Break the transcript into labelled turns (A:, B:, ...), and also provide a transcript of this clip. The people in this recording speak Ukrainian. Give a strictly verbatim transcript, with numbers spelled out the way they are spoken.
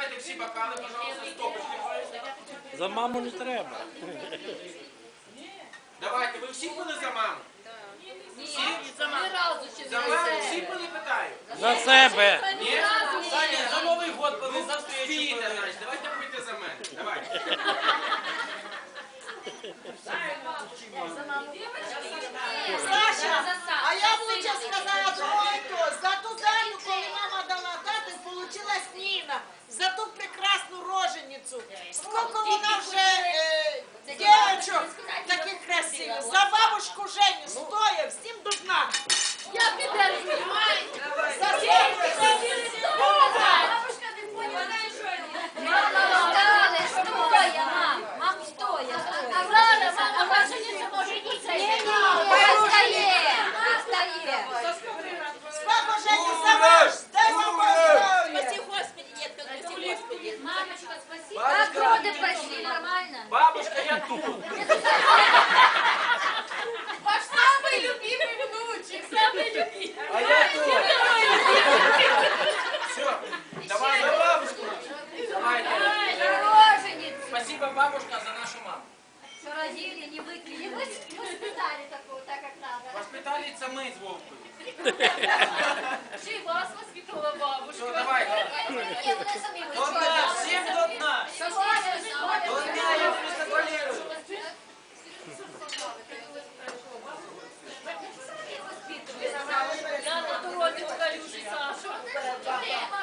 A: Забирайте всі бокали, пожалуйста, стопочки.
B: За маму не треба.
A: Давайте, ви всі пили за маму?
C: Ні, за разу ще
A: За маму всі пили, питаю?
B: За себе.
A: Ні?
D: Саня, за Новий год пили, за встречу
A: Пійте,
D: пили.
A: значить, давайте пийте за мене. Давайте.
E: Саша, а я б лучше сказала другой тост. За ту дату, коли мама дала дату, получилась Ніна. За ту прекрасну роженицю. Сколько вона вже е, дівчинок таких красивих. За бабушку Женю стоя, всім до дна.
C: Я піду.
E: За всіх.
C: Бабушка не поняла, що мама, стоя, стоя, мам. Мам, стоя, стоя. А Влада, мама, ваша не може йти. Ні, ні, стає, стає.
E: Бабу Женю замуж, дай вам здоров'я.
C: Спаси Господи, детка, спаси Господи. Мамочка, спасибо.
D: Бабушка.
C: Как роды прошли, нормально?
D: Бабушка, я тут.
C: Ваш самый любимый внучек, самый любимый.
D: А я тут.
A: Все, давай.
D: За бабушку.
A: Давайте.
C: Роженица.
D: Спасибо, бабушка, за нашу маму.
C: Все родили, не выкинули. Не воспитали такого, так как надо.
A: Воспитали це ми з Вовкою.
C: Ще й вас воспитала бабушка.
A: Все, давай.
C: Ні, вони самі
D: До дна, всем до дна.
C: вичувають.
D: До дна, я контролирую.
C: Я на дорозі покалюші Сашу.